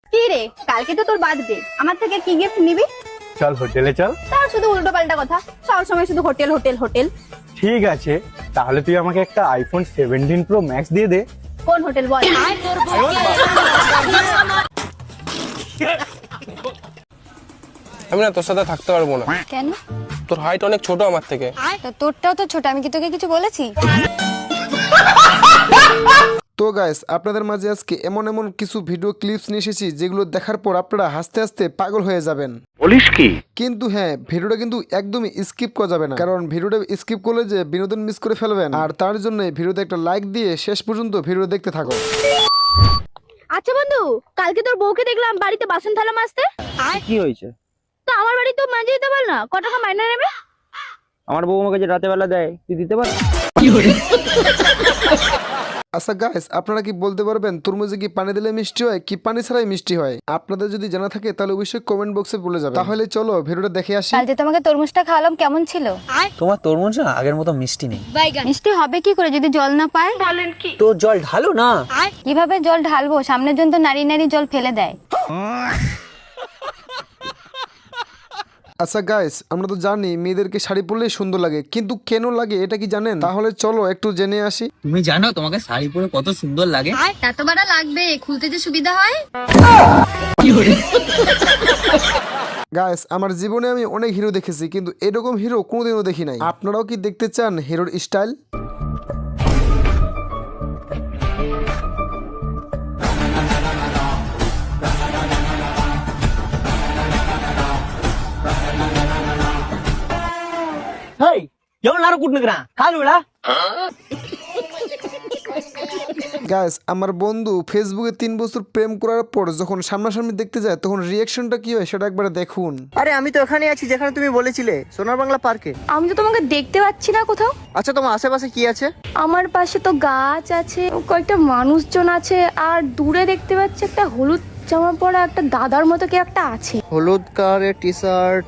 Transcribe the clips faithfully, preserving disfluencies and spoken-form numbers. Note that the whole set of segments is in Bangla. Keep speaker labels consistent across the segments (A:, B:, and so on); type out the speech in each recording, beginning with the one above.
A: কি রে, কালকে তো তোর বার্থডে, আমার থেকে কি গিফট নিবি?
B: চল হোটেলে চল।
A: তার শুধু উল্টো পাল্টা কথা, সব সময় শুধু হোটেল হোটেল হোটেল।
B: ঠিক আছে, তাহলে তুই আমাকে একটা আইফোন সেভেন্টিন প্রো ম্যাক্স দিয়ে দে।
A: কোন হোটেল বল?
C: আমি না তোর সাথে থাকতে পারবো না।
D: কেন?
C: তোর হাইট অনেক ছোট আমার থেকে।
D: তা তোরটাও তো ছোট, আমি কি তোকে কিছু বলেছি?
E: তো গাইস, আপনাদের মাঝে আজকে এমন এমন কিছু ভিডিও ক্লিপস নিয়ে এসেছি যেগুলো দেখার পর আপনারা হাসতে হাসতে পাগল হয়ে যাবেন।
B: বলিস কি?
E: কিন্তু হ্যাঁ, ভিডিওটা কিন্তু একদমই স্কিপ করা যাবে না, কারণ ভিডিওটা স্কিপ করলে যে বিনোদন মিস করে ফেলবেন। আর তার জন্য ভিডিওতে একটা লাইক দিয়ে শেষ পর্যন্ত ভিডিও দেখতে থাকো।
A: আচ্ছা বন্ধু, কালকে তোর বউকে দেখলাম বাড়িতে বাসন থালা মাজতে।
F: কি হয়েছে?
A: তো আমার বাড়ি তো মাঝে দিতে বল না, ক টাকা মাইনে নেবে?
F: আমার বউ আমাকে যে রাতে বেলা দেয় তুই দিতে পার?
E: আচ্ছা গাইস, আপনারা কি বলতে পারবেন তরমুজে কি পানি দিলে মিষ্টি হয় কি পানি ছাড়াই মিষ্টি হয়? আপনাদের যদি জানা থাকে তাহলে অবশ্যই কমেন্ট বক্সে বলে যাবেন। তাহলে চলো ভিডিওটা দেখে আসি।
D: কাল যে তোমাকে তরমুজটা খাওয়ালাম কেমন ছিল?
G: তোমার তরমুজ না আগের মতো মিষ্টি নেই।
D: মিষ্টি হবে কি করে যদি জল না পায়?
G: তো জল ঢালো না।
D: কিভাবে জল ঢালবো? সামনের জন তো নারী নারী জল ফেলে দেয়।
E: আচ্ছা গাইস, আমরা তো জানি মেয়েদেরকে শাড়ি পরলেই সুন্দর লাগে, কিন্তু কেন লাগে এটা কি জানেন? তাহলে চলো একটু জেনে আসি।
G: তুমি জানো তোমাকে শাড়ি পরে কত সুন্দর লাগে?
D: এত বড় লাগবে, খুলতে যে সুবিধা হয়।
E: গাইস, আমার জীবনে আমি অনেক হিরো দেখেছি, কিন্তু এরকম হিরো কোনোদিনও দেখি নাই। আপনারাও কি দেখতে চান হিরোর স্টাইল?
F: ಹೇಯ್ ಎವನಾರು ಕುಟ್ನಿಕ್ರಾ ಕಾಲು ಬಿಡ.
E: গাইস, আমার বন্ধু ফেসবুকে তিন বছর প্রেম করার পর যখন সামনাসামনি দেখতে যায় তখন রিয়াকশনটা কি হয় সেটা একবার দেখুন।
H: আরে আমি তো এখানে আছি যেখানে তুমি বলেছিলে, সোনার বাংলা পার্কে।
A: আমি তো তোমাকে দেখতে পাচ্ছি না কোথাও।
H: আচ্ছা, তোমার আশেপাশে কি আছে?
A: আমার পাশে তো গাছ আছে, কয়েকটা মানুষজন আছে, আর দূরে দেখতে পাচ্ছি একটা হলুদ জামা পরা একটা দাদার মতো কি একটা আছে।
H: হলুদ কালারের টি শার্ট।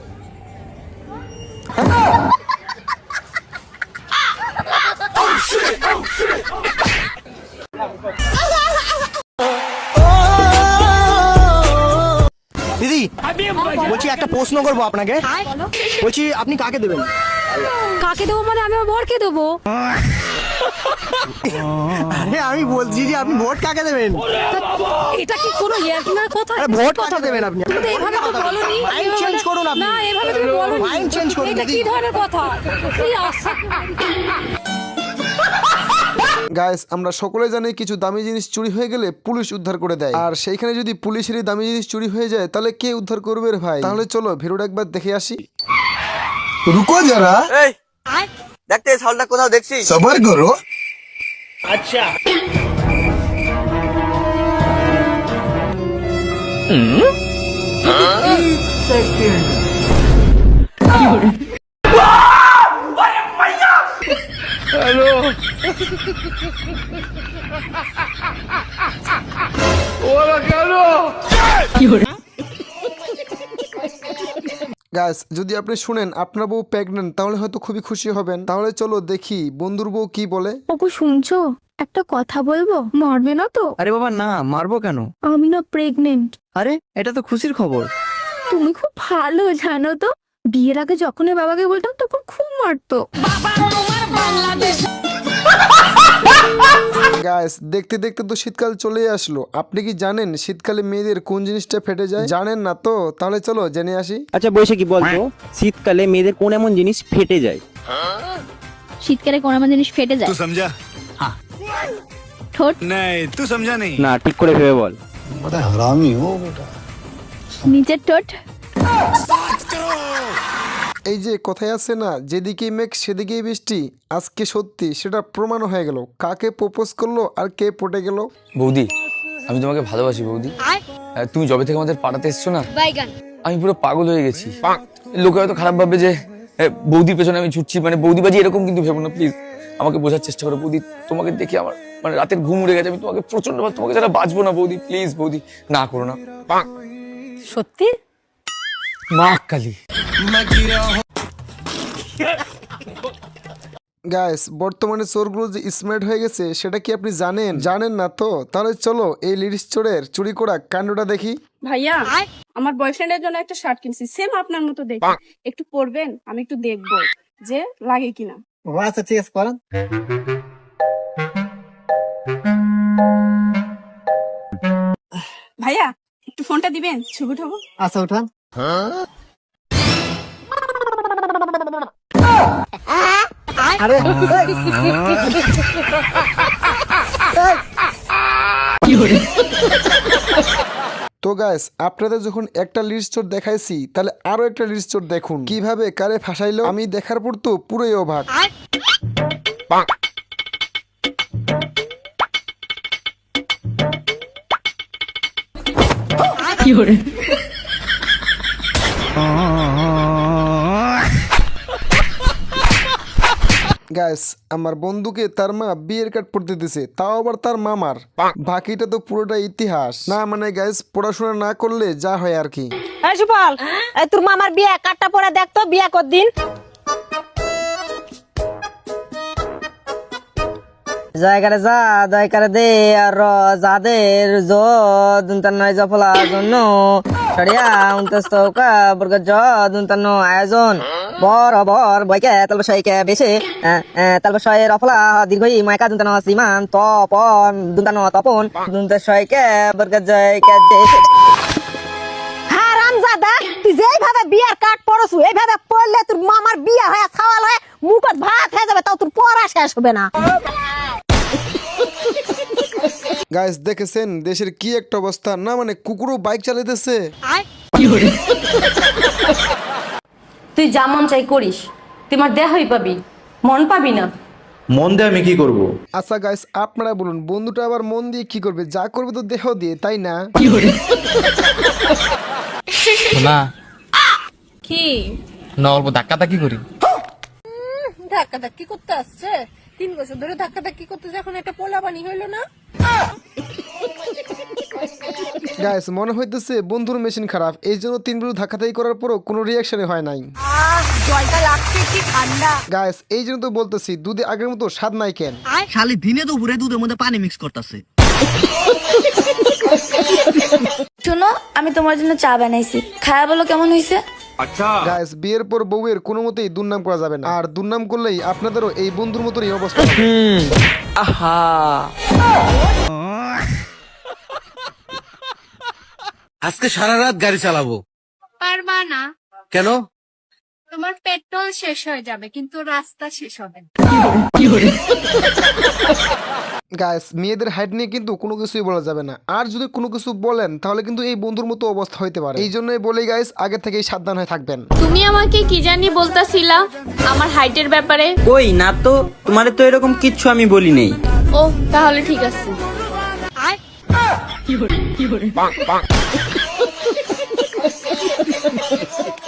I: দিদি বলছি একটা প্রশ্ন করবো আপনাকে। বলছি আপনি কাকে দেবেন?
D: কাকে দেবো মানে আমি আমার বরকে দেবো।
I: আরে আমি বলছি যে আপনি ভোট কাকে দেবেন?
D: এটা কি কোনো ইয়ার্কিনার কথা?
I: আরে ভোট কাকে দেবেন আপনি?
D: তুমি তো এভাবে তো বলোনি।
I: মাইন্ড চেঞ্জ করুন আপনি।
D: না, এভাবে তুমি বলোনি।
I: মাইন্ড চেঞ্জ করুন
D: এটা
I: দিদি।
D: কি ধরনের কথা? এই আশা
E: গাইস, আমরা সকলে জানি কিছু দামি জিনিস চুরি হয়ে গেলে পুলিশ উদ্ধার করে দেয়, আর সেইখানে যদি পুলিশেরই দামি জিনিস চুরি হয়ে যায় তাহলে কে উদ্ধার করবে রে ভাই? তাহলে চলো ভিডিওটা একবার দেখে আসি।
I: রুকো যারা,
H: এই দেখতে এই শালটা কোথাও দেখছি।
I: সবার করো।
E: গাইস, যদি আপনি শুনেন আপনার বউ প্রেগনেন্ট তাহলে হয়তো খুবই খুশি হবেন। তাহলে চলো দেখি বন্ধুর বউ কি বলে।
A: ওগো শুনছো, একটা কথা বলবো, মারবে না তো?
G: আরে বাবা না, মারবো কেন?
A: আমি না প্রেগনেন্ট।
G: আরে এটা তো খুশির খবর।
A: তুমি খুব ভালো জানো তো, বিয়ের আগে যখন এর বাবাকে বলতাম তখন খুব মারতো।
E: গাইস, দেখতে দেখতে তো শীতকাল চলে আসলো। আপনি কি জানেন শীতকালে মেয়েদের কোন জিনিসটা ফেটে যায়? জানেন না তো? তাহলে চলো জেনে আসি।
F: আচ্ছা বৈশা কি বলতো, শীতকালে মেয়েদের কোন এমন জিনিস ফেটে যায়?
A: শীতকালে কোন আমার জিনিস ফেটে যায়?
I: तू समझा?
A: ঠোঁট।
I: नहीं तू समझा नहीं।
F: না, ঠিক করে ভেবে বল।
I: बड़ा हरामी हो बेटा।
A: নিচের ঠোঁট।
E: এই যে কথায় আছে না, যেদিকেই মেঘ সেদিকেই বৃষ্টি, আজকে সত্যি সেটা প্রমাণ হয়ে গেল। কাকে প্রপোজ করলো আর কে পটে গেল।
C: বৌদি, আমি তোমাকে ভালোবাসি বৌদি। তুমি যবে থেকে আমাদের পাড়াতে এসছো না, আমি পুরো পাগল হয়ে গেছি। লোকে হয়তো খারাপ ভাববে যে এ, বৌদির পেছনে আমি ছুটছি, মানে বৌদিবাজি এরকম কিন্তু ভেবো না প্লিজ। আমাকে বোঝার চেষ্টা করো বৌদি। তোমাকে দেখে আমার মানে রাতের ঘুম উড়ে গেছে। আমি তোমাকে প্রচন্ড, তোমাকে যারা বাঁচবো না বৌদি, প্লিজ বৌদি না করো না।
D: সত্যি?
C: মা কালী।
E: গাইস বর্তমানে চোরগুলো যে স্মার্ট হয়ে গেছে সেটা কি আপনি জানেন? জানেন না তো? তাহলে চলো এই লিডিস চোরের চুরি করা কাণ্ডটা দেখি।
A: ভাইয়া আমার বয়ফ্রেন্ডের জন্য একটা শার্ট কিনছি সেম আপনার মতো দেখি, একটু পরবেন, আমি একটু দেখবো যে লাগে কিনা।
H: ও আচ্ছা ঠিক আছে করেন।
A: ভাইয়া একটু ফোনটা দিবেন, ছবি উঠাবো।
H: আচ্ছা উঠান। আরে
E: তো গাইস আপনাদের যখন একটা লিড স্টোর দেখাইছি তাহলে আরো একটা লিড স্টোর দেখুন কিভাবে কারে ফাঁসাইলো। আমি দেখার পর তো পুরোই অবাক। গাইস আমার বন্ধুকে তার মা বিয়ের কার্ড পড়তে দিছে, তাও আবার তার মামার। বাকিটা তো পুরোটা ইতিহাস না, মানে গাইস পড়াশোনা না করলে যা হয় আর কি।
J: এই সুপাল, এই তোর মামার বিয়ে কার্ডটা পরে দেখতো বিয়ে কতদিন। জায়গারে যা দয়কারে দে আর যাদের যুন্তান্ন জফলা জন্য সরিয়া উনতস্তৌকা বর্গ যুন্তান্ন আয়োজন বরাবর বইকে তালবসাইকে বেশে তালবসাই রফলা দীর্ঘই মাইকা দুন্তান্ন সীমান তপন দুন্তান্ন তপন দুন্তশয়কে বর্গ জয়কে হারামজাদা, তুই যেইভাবে বিয়ার কার্ড পড়ছু এইভাবে পড়লে তোর মামার বিয়ে হয়ে ছাওয়াল হয়ে মুখত ভাত হয়ে যাবে, তাও তোর পড়া শেষ হবে না।
E: গাইস দেখেছেন দেশের কি একটা অবস্থা না, মানে কুকুরও বাইক চালাইতেছে।
J: তুই যা মন চাই করিস, তুই আমার দেহই পাবি, মন পাবি না।
I: মন দিয়ে আমি কি করব?
E: আচ্ছা গাইস আপনারা বলুন বন্ধুটা আবার মন দিয়ে কি করবে? যা করবে তো দেহ দিয়ে, তাই না?
G: না
A: কি
G: না অল্প ধাক্কা ধাক্কি করি।
A: ধাক্কা ধাক্কি করতে আসছে? তিন বছর ধরে ধাক্কা ধাক্কি করতেছে, এখন একটা পোলা বানি হইলো না?
E: গাইস মনে হইতেছে বন্ধুর মেশিন খারাপ, এই জন্য তিন বিরু ধাক্কাধাক্কি করার পরও কোনো রিয়াকশনই হয় নাই।
A: জলটা লাগছে কি ঠান্ডা।
E: গাইস এই জন্য তো বলতেছি দুধে আগের মতো স্বাদ নাই কেন।
G: শালি দিনে তো পুরে দুধের মধ্যে পানি মিক্স করতেছে।
D: শোনো, আমি তোমার জন্য চা বানাইছি, খায়া বলো কেমন হয়েছে।
E: গাইস বিয়ের পর বউয়ের কোনো মতেই দুর্নাম করা যাবে না, আর দুর্নাম করলেই আপনাদেরও এই বন্ধুর মতোই অবস্থা হবে।
G: আহা আজকে সারা রাত গাড়ি চালাবো।
A: পারবা না?
G: কেন?
A: তোমার পেট্রোল শেষ হয়ে যাবে কিন্তু রাস্তা শেষ হবে না।
E: গাইস মেয়েদের হাইট নিয়ে কিন্তু কোনো কিছুই বলা যাবে না, আর যদি কোনো কিছু বলেন তাহলে কিন্তু এই বন্ধুর মতো অবস্থা হইতে পারে। এই জন্যই বলি গাইস আগে থেকেই সাবধান হয়ে থাকবেন।
A: তুমি আমাকে কি জানি বলতাছিলা আমার হাইটের ব্যাপারে?
G: কই না তো, তোমারে তো এরকম কিচ্ছু আমি বলি নেই।
A: ও তাহলে ঠিক আছে।